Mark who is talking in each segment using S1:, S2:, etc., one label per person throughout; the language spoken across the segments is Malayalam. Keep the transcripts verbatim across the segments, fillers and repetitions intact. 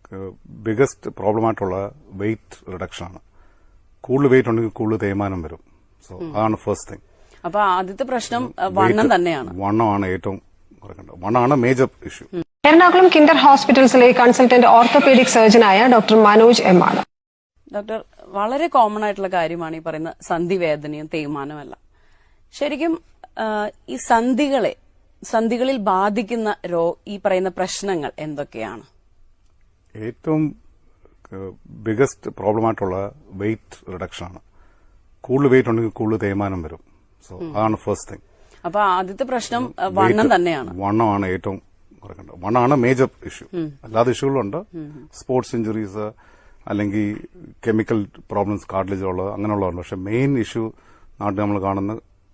S1: ബിഗസ്റ്റ് പ്രോബ്ലമായിട്ടുള്ള വെയിറ്റ് റിഡക്ഷൻ ആണ്. കൂടുതൽ വെയിറ്റ് ഉണ്ടെങ്കിൽ കൂടുതൽ തേയ്മാനം വരും. സോ അതാണ് ഫസ്റ്റ് തിങ്.
S2: അപ്പൊ ആദ്യത്തെ പ്രശ്നം വണ്ണം തന്നെയാണ്.
S1: വണ്ണമാണ് ഏറ്റവും കുറയ്ക്കേണ്ടത്. വണ്ണമാണ് മേജർ ഇഷ്യൂ.
S3: എറണാകുളം കിൻഡർ ഹോസ്പിറ്റൽസിലെ കൺസൾട്ടന്റ് ഓർത്തോപീഡിക് സർജനായ ഡോക്ടർ മനോജ് എം ആണ്.
S2: ഡോക്ടർ, വളരെ കോമൺ ആയിട്ടുള്ള കാര്യമാണ് ഈ പറയുന്ന സന്ധിവേദനയും തേയ്മാനമല്ല. ശരിക്കും ഈ സന്ധികളെ സന്ധികളിൽ ബാധിക്കുന്ന രോ ഈ പറയുന്ന പ്രശ്നങ്ങൾ എന്തൊക്കെയാണ്?
S1: ഏറ്റവും ബിഗസ്റ്റ് പ്രോബ്ലമായിട്ടുള്ള വെയിറ്റ് റിഡക്ഷൻ ആണ്. കൂടുതൽ വെയിറ്റ് ഉണ്ടെങ്കിൽ കൂടുതൽ തേയ്മാനം വരും. സോ അതാണ് ഫസ്റ്റ് തിങ്.
S2: അപ്പൊ ആദ്യത്തെ പ്രശ്നം വണ്ണം തന്നെയാണ്.
S1: വണ്ണമാണ് ഏറ്റവും കുറയ്ക്കേണ്ടത്. വണ്ണമാണ് മേജർ ഇഷ്യൂ. അല്ലാതെ ഇഷ്യൂകളുണ്ട്. സ്പോർട്സ് ഇഞ്ചുറീസ് അല്ലെങ്കിൽ കെമിക്കൽ പ്രോബ്ലംസ് കാർട്ടിലേജ് ഉള്ളത് അങ്ങനെയുള്ളതുണ്ട്. പക്ഷെ മെയിൻ ഇഷ്യൂ നാട്ടിൽ നമ്മൾ കാണുന്ന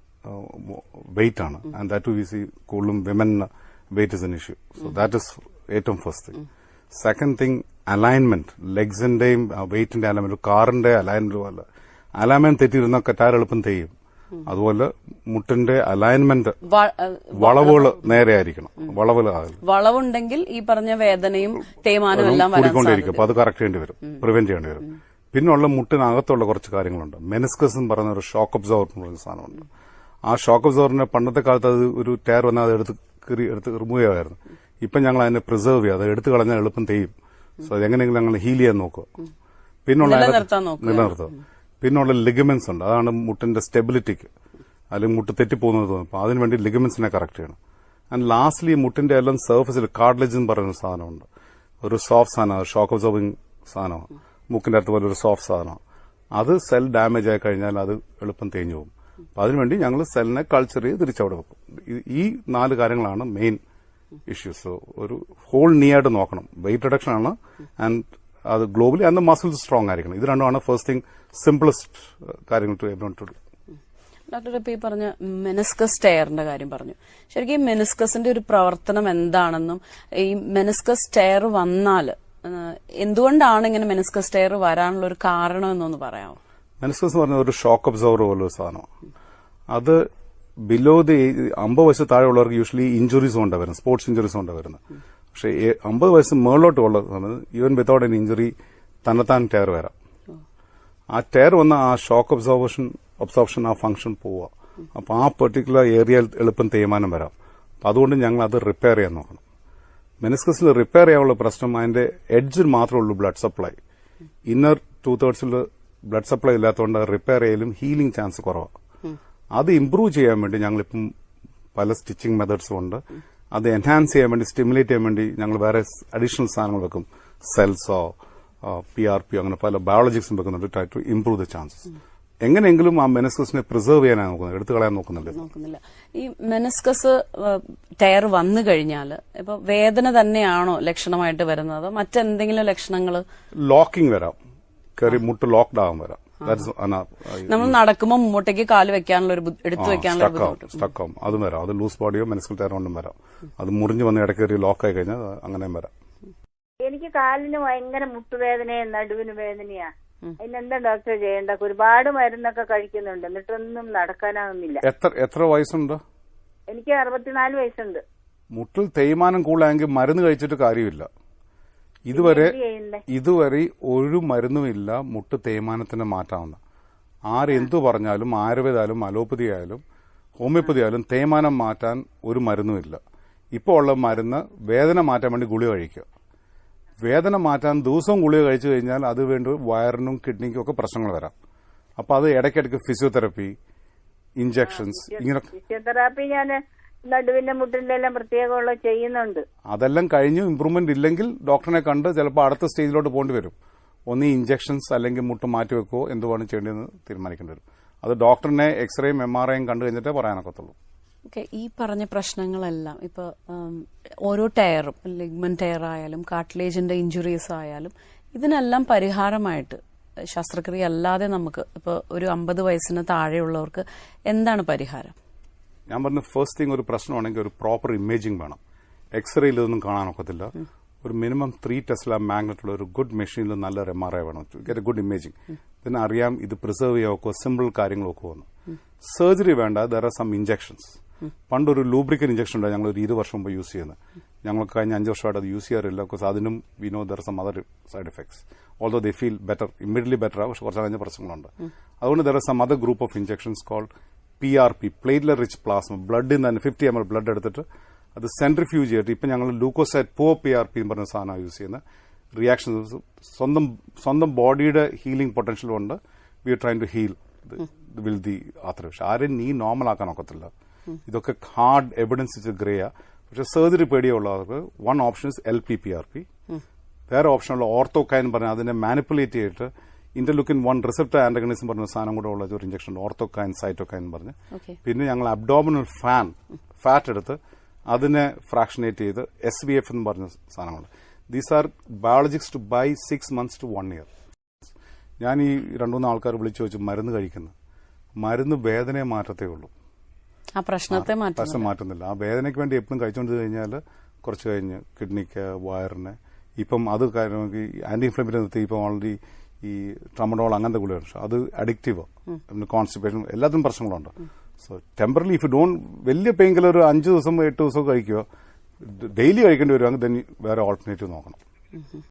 S1: വെയിറ്റ് ആണ്. ആൻഡ് ദാറ്റ് വി സി കൂടുതലും women weight is an issue. So that is ഏറ്റവും first thing. Second thing alignment. ലെഗ്സിന്റെയും വെയിറ്റിന്റെ അലൈൻമെന്റ്, കാറിന്റെ അലൈൻമെന്റ് പോലെ അലൈൻമെന്റ് തെറ്റിയിരുന്ന ടയർ എളുപ്പം തെയ്യും. അതുപോലെ മുട്ടിന്റെ അലൈൻമെന്റ് വളവുകൾ നേരെ ആയിരിക്കണം. വളവുകൾ
S2: വളവുണ്ടെങ്കിൽ ഈ പറഞ്ഞ വേദനയും തേയ്മാനവും എല്ലാം
S1: കൂടിക്കൊണ്ടിരിക്കും. അപ്പൊ അത് കറക്റ്റ് ചെയ്യേണ്ടി വരും, പ്രിവെന്റ് ചെയ്യേണ്ടി വരും. പിന്നുള്ള മുട്ടിനകത്തുള്ള കുറച്ച് കാര്യങ്ങളുണ്ട്. മെനിസ്കസ് എന്ന് പറയുന്ന ഒരു ഷോക്ക് അബ്സോർബർ എന്ന് പറയുന്ന സാധനമുണ്ട്. ആ ഷോക്ക് അബ്സോർബറിന്റെ പണ്ടത്തെ കാലത്ത് അത് ഒരു ടയർ വന്നാൽ അത് എടുത്ത് എടുത്ത് റിമൂവ് ചെയ്യാമായിരുന്നു. ഇപ്പം ഞങ്ങൾ അതിനെ പ്രിസർവ് ചെയ്യുക. അത് എടുത്തു കളഞ്ഞാൽ എളുപ്പം തെയ്യും. സോ അതെങ്ങനെയെങ്കിലും ഞങ്ങൾ ഹീൽ ചെയ്യാൻ നോക്കുക. പിന്നുള്ള നിലനിർത്തുക. പിന്നുള്ള ലിഗമെന്റ്സ് ഉണ്ട്. അതാണ് മുട്ടിന്റെ സ്റ്റെബിലിറ്റിക്ക്, അല്ലെങ്കിൽ മുട്ട് തെറ്റിപ്പോകുന്നത് തോന്നും. അപ്പൊ അതിനുവേണ്ടി ലിഗമെന്റ്സിനെ കറക്റ്റ് ചെയ്യണം. ആൻഡ് ലാസ്റ്റ്ലി മുട്ടിന്റെ എല്ലാം സർഫസിൽ കാർട്ടിലേജ് എന്ന് പറയുന്ന സാധനമുണ്ട്. ഒരു സോഫ്റ്റ് സാധനമാണ്, ഷോക്ക് അബ്സോർബിംഗ് സാധനമാണ്. മുക്കിന്റെ അടുത്ത് പോലെ ഒരു സോഫ്റ്റ് സാധനമാണ്. അത് സെൽ ഡാമേജ് ആയി കഴിഞ്ഞാൽ അത് എളുപ്പം തേഞ്ഞു പോകും. അപ്പൊ അതിനുവേണ്ടി ഞങ്ങൾ സെല്ലിനെ കൾച്ചർ ചെയ്ത് തിരിച്ചവിടെ വെക്കും. ഈ നാല് കാര്യങ്ങളാണ് മെയിൻ ഇഷ്യൂസ്. ഒരു ഹോൾ നീ ആയിട്ട് നോക്കണം. വെയിറ്റ് റിഡക്ഷൻ ആണ്, ആൻഡ് അത് ഗ്ലോബലി അന്ന് മസിൽസ് സ്ട്രോങ് ആയിരിക്കണം. ഇത് രണ്ടുമാണ് ഫസ്റ്റ് തിങ്, സിംപ്ലസ്റ്റ് കാര്യങ്ങൾ to everyone to do.
S2: Doctor, ഇപ്പൊ ഈ പറഞ്ഞ മെനിസ്കസ് ടയറിന്റെ കാര്യം പറഞ്ഞു. ശരിക്കും ഈ മെനിസ്കസിന്റെ ഒരു പ്രവർത്തനം എന്താണെന്നും ഈ മെനിസ്കസ് ടയർ വന്നാൽ എന്തുകൊണ്ടാണ് ഇങ്ങനെ മെനിസ്കസ് ടയർ വരാനുള്ള ഒരു കാരണം എന്നൊന്ന് പറയാമോ?
S1: മെനിസ്കസ് എന്ന് പറഞ്ഞ ഒരു ഷോക്ക് അബ്സോർബർ പോലൊരു സാധനമാണ്. അത് ബിലോ ദി അമ്പത് വയസ്സ് താഴെയുള്ളവർക്ക് യൂഷ്വലി ഇഞ്ചുറീസ് കൊണ്ടാണ് വരുന്നത്, സ്പോർട്സ് ഇഞ്ചുറീസ് കൊണ്ടാണ് വരുന്നത്. പക്ഷേ അമ്പത് വയസ്സ് മുകളിലോട്ട് ഉള്ള ഈവൻ വിതൗട്ട് എൻ ഇഞ്ചുറി തന്നെത്താൻ ടയർ വരാം. ആ ടയർ വന്ന ആ ഷോക്ക് അബ്സോർബേഷൻ അബ്സോർപ്ഷൻ ആ ഫംഗ്ഷൻ പോവുക. അപ്പൊ ആ പെർട്ടിക്കുലർ ഏരിയയിൽ എളുപ്പം തേയ്മാനം വരാം. അപ്പൊ അതുകൊണ്ട് ഞങ്ങൾ അത് റിപ്പയർ ചെയ്യാൻ നോക്കണം. മെനിസ്കസിൽ റിപ്പയർ ചെയ്യാനുള്ള പ്രശ്നം അതിന്റെ എഡ്ജിൽ മാത്രമേ ഉള്ളൂ ബ്ലഡ് സപ്ലൈ. ഇന്നർ ടു തേർഡ്സിൽ ബ്ലഡ് സപ്ലൈ ഇല്ലാത്തതുകൊണ്ട് റിപ്പയർ ചെയ്യലും ഹീലിംഗ് ചാൻസ് കുറവാണ്. അത് ഇംപ്രൂവ് ചെയ്യാൻ വേണ്ടി ഞങ്ങളിപ്പം പല സ്റ്റിച്ചിങ് മെത്തേഡ്സും ഉണ്ട്. അത് എൻഹാൻസ് ചെയ്യാൻ വേണ്ടി, സ്റ്റിമുലേറ്റ് ചെയ്യാൻ വേണ്ടി ഞങ്ങൾ വേറെ അഡീഷണൽ സാധനങ്ങൾ വെക്കും. സെൽസോ പി ആർ പി അങ്ങനെ പല ബയോളജിക്സും വെക്കുന്നുണ്ട്, try to improve the chances. എങ്ങനെയെങ്കിലും ആ മെനിസ്കസിനെ പ്രിസർവ് ചെയ്യാനാണ് നോക്കുന്നത്, എടുത്തു കളയാൻ നോക്കുന്നില്ല.
S2: ഈ മെനിസ്കസ് ടയർ വന്നു കഴിഞ്ഞാൽ ഇപ്പൊ വേദന തന്നെയാണോ ലക്ഷണമായിട്ട് വരുന്നത്, മറ്റെന്തെങ്കിലും ലക്ഷണങ്ങൾ?
S1: ലോക്കിംഗ് വരാം, കയറി മുട്ട് ലോക്ക്ഡ് ആവാൻ വരാം.
S2: നമ്മൾ നടക്കുമ്പോൾ മുമ്പോട്ടേക്ക് കാല് വെക്കാനുള്ള ഒരു എടുത്തു വെക്കാനുള്ള
S1: സ്റ്റക്കാവും, അതും വരാം. അത് ലൂസ് ബോഡിയോ മെനിസ്കൽ ടയർ കൊണ്ടും വരാം. അത് മുറിഞ്ഞു വന്ന് ഇടയ്ക്കേറി ലോക്കായി കഴിഞ്ഞാൽ അങ്ങനെയും വരാം.
S4: എനിക്ക് കാലിന് ഭയങ്കര മുട്ടുവേദനയും നടുവിന് വേദനയാ. അതിനെന്താ ഡോക്ടർ ചെയ്യേണ്ട? ഒരുപാട് മരുന്നൊക്കെ കഴിക്കുന്നുണ്ട്, എന്നിട്ടൊന്നും നടക്കാനാവുന്നില്ല.
S1: എത്ര എത്ര വയസ്സുണ്ട്?
S4: എനിക്ക് അറുപത്തിനാല് വയസ്സുണ്ട്.
S1: മുട്ടിൽ തേയ്മാനം കൂടുതലായെങ്കിൽ മരുന്ന് കഴിച്ചിട്ട് കാര്യമില്ല. ഇതുവരെ ഇതുവരെ ഒരു മരുന്നുമില്ല മുട്ട് തേയ്മാനത്തിന് മാറ്റാവുന്ന. ആരെന്തു പറഞ്ഞാലും, ആയുർവേദായാലും അലോപ്പതി ആയാലും ഹോമിയോപ്പതി ആയാലും തേയ്മാനം മാറ്റാൻ ഒരു മരുന്നുമില്ല. ഇപ്പോൾ ഉള്ള മരുന്ന് വേദന മാറ്റാൻ വേണ്ടി ഗുളിക കഴിക്കുക. വേദന മാറ്റാൻ ദിവസവും ഗുളിക കഴിച്ചു കഴിഞ്ഞാൽ അത് വേണ്ടി വയറിനും കിഡ്നിക്കും ഒക്കെ പ്രശ്നങ്ങൾ വരാം. അപ്പൊ അത് ഇടയ്ക്കിടയ്ക്ക് ഫിസിയോതെറപ്പി, ഇഞ്ചക്ഷൻസ്, ഇങ്ങനെ
S4: ഫിസിയോതെറാപ്പി ഞാൻ നടുവിന്റെ മുട്ടിന്റെ എല്ലാം പ്രത്യേകമുള്ള ചെയ്യുന്നുണ്ട്.
S1: അതെല്ലാം കഴിഞ്ഞു ഇംപ്രൂവ്മെന്റ് ഇല്ലെങ്കിൽ ഡോക്ടറിനെ കണ്ട് ചിലപ്പോൾ അടുത്ത സ്റ്റേജിലോട്ട് പോകേണ്ടി വരും. ഒന്ന് ഇഞ്ചക്ഷൻസ് അല്ലെങ്കിൽ മുട്ട് മാറ്റിവെക്കോ എന്തുവാണ് ചെയ്യേണ്ടതെന്ന് തീരുമാനിക്കേണ്ടി വരും. അത് ഡോക്ടറിനെ എക്സ്റേയും എം ആർ ഐയും കണ്ടു കഴിഞ്ഞിട്ടേ പറയാനൊക്കത്തുള്ളൂ.
S2: ഓക്കെ, ഈ പറഞ്ഞ പ്രശ്നങ്ങളെല്ലാം ഇപ്പൊ ഓരോ ടയറും, ലിഗ്മെന്റ് ടയർ ആയാലും കാർട്ടിലേജിന്റെ ഇഞ്ചുറീസ് ആയാലും ഇതിനെല്ലാം പരിഹാരമായിട്ട് ശസ്ത്രക്രിയ അല്ലാതെ നമുക്ക് ഇപ്പൊ ഒരു അമ്പത് വയസ്സിന് താഴെയുള്ളവർക്ക് എന്താണ് പരിഹാരം?
S1: ഞാൻ പറഞ്ഞ ഫസ്റ്റ് തിങ്, ഒരു പ്രശ്നമാണെങ്കിൽ ഒരു പ്രോപ്പർ ഇമേജിംഗ് വേണം. എക്സ്റേയിൽ ഇതൊന്നും കാണാനൊക്കത്തില്ല. ഒരു മിനിമം ത്രീ ടെസ്ല മാഗ്നറ്റുള്ള ഒരു ഗുഡ് മെഷീനിൽ നല്ലൊരു എം ആർ ഐ വേണം, ഗെറ്റ് എ ഗുഡ് ഇമേജിംഗ്. പിന്നെ അറിയാം ഇത് പ്രിസർവ് ചെയ്യാവോ, സിമ്പിൾ കാര്യങ്ങളൊക്കെ വന്നു. സർജറി വേണ്ട, ദർ ആർ സം ഇഞ്ചക്ഷൻസ്. പണ്ടൊരു ലൂബ്രിക്കൻ ഇഞ്ചക്ഷൻ ഉണ്ട്, ഞങ്ങൾ ഒരു ഇരുപത് വർഷം മുമ്പ് യൂസ് ചെയ്യുന്നത്. ഞങ്ങൾക്ക് കഴിഞ്ഞ അഞ്ച് വർഷമായിട്ട് അത് യൂസ് ചെയ്യാറില്ല. ബിക്കോസ് അതിനും we know there some other side effects. Although they feel better, immediately better ആവും, പക്ഷെ കുറച്ച് കഴിഞ്ഞ പ്രശ്നങ്ങളുണ്ട്. അതുകൊണ്ട് there are some other group of injections called P R P, platelet rich plasma. ബ്ലഡിൽ നിന്ന് തന്നെ ഫിഫ്റ്റി എം എൽ ബ്ലഡ് എടുത്തിട്ട് അത് സെൻട്രിഫ്യൂജ് ചെയ്തിട്ട് ഇപ്പം ഞങ്ങൾ ലൂക്കോസൈറ്റ് പോ പി ആർ പി എന്ന് പറഞ്ഞ സാധനമാണ് യൂസ് ചെയ്യുന്നത്. റിയാക്ഷൻ സ്വന്തം സ്വന്തം ബോഡിയുടെ ഹീലിംഗ് പൊട്ടൻഷ്യൽ കൊണ്ട് we are trying to heal will the ആത്ര. പക്ഷെ ആരെയും നീ നോർമൽ ആക്കാൻ ഒക്കത്തില്ല. ഇതൊക്കെ ഹാർഡ് എവിഡൻസ് വെച്ച് ഗ്രേയാ. പക്ഷെ സർജറി പേടിയുള്ളവർക്ക് one option is L P P R P. വേറെ ഓപ്ഷനുള്ള ഓർത്തോകൈൻ പറഞ്ഞാൽ അതിനെ മാനിപ്പുലേറ്റ് ചെയ്തിട്ട് ഇന്റർലുക്കിൻ വൺ റിസപ്റ്റർ ആന്റഗണിസം പറഞ്ഞ സാധനം കൂടെ ഉള്ള ഒരു ഇഞ്ചക്ഷൻ ഉണ്ട്, ഓർത്തോകൈൻ സൈറ്റോകൈൻ പറഞ്ഞ്. പിന്നെ ഞങ്ങൾ അബ്ഡോമിനൽ ഫാൻ ഫാറ്റ് എടുത്ത് അതിനെ ഫ്രാക്ഷനേറ്റ് ചെയ്ത് എസ് ബി എഫ് എന്ന് പറഞ്ഞ സാധനങ്ങളുണ്ട്. These are biologics to by six months to one year. ഞാൻ ഈ രണ്ടുമൂന്ന് ആൾക്കാർ വിളിച്ചു വെച്ച് മരുന്ന് കഴിക്കുന്നത്, മരുന്ന് വേദനയെ മാറ്റത്തേ ഉള്ളൂ,
S2: ആ പ്രശ്നത്തെ
S1: പ്രശ്നം മാറ്റുന്നില്ല. ആ വേദനയ്ക്ക് വേണ്ടി എപ്പോഴും കഴിച്ചുകൊണ്ട് കഴിഞ്ഞാൽ കുറച്ച് കഴിഞ്ഞ് കിഡ്നിക്ക്, വയറിന്, ഇപ്പം അത് ആന്റി ഇൻഫ്ലമേറ്ററി നിർത്തി ഇപ്പം ഓൾറെഡി ഈ ട്രമഡോൾ അങ്ങനത്തെ ഗുളികയാണ്. പക്ഷെ അത് അഡിക്റ്റീവ്, കോൺസ്റ്റിപ്പേഷൻ, എല്ലാത്തിനും പ്രശ്നങ്ങളുണ്ട്. So temporally if you don't വലിയ പെയിൻ കില്ലർ ഒരു അഞ്ച് ദിവസം എട്ട് ദിവസം കഴിക്കുക, ഡെയിലി കഴിക്കേണ്ടി വരുവാണെങ്കിൽ വേറെ ഓൾട്ടർനേറ്റീവ് നോക്കണം.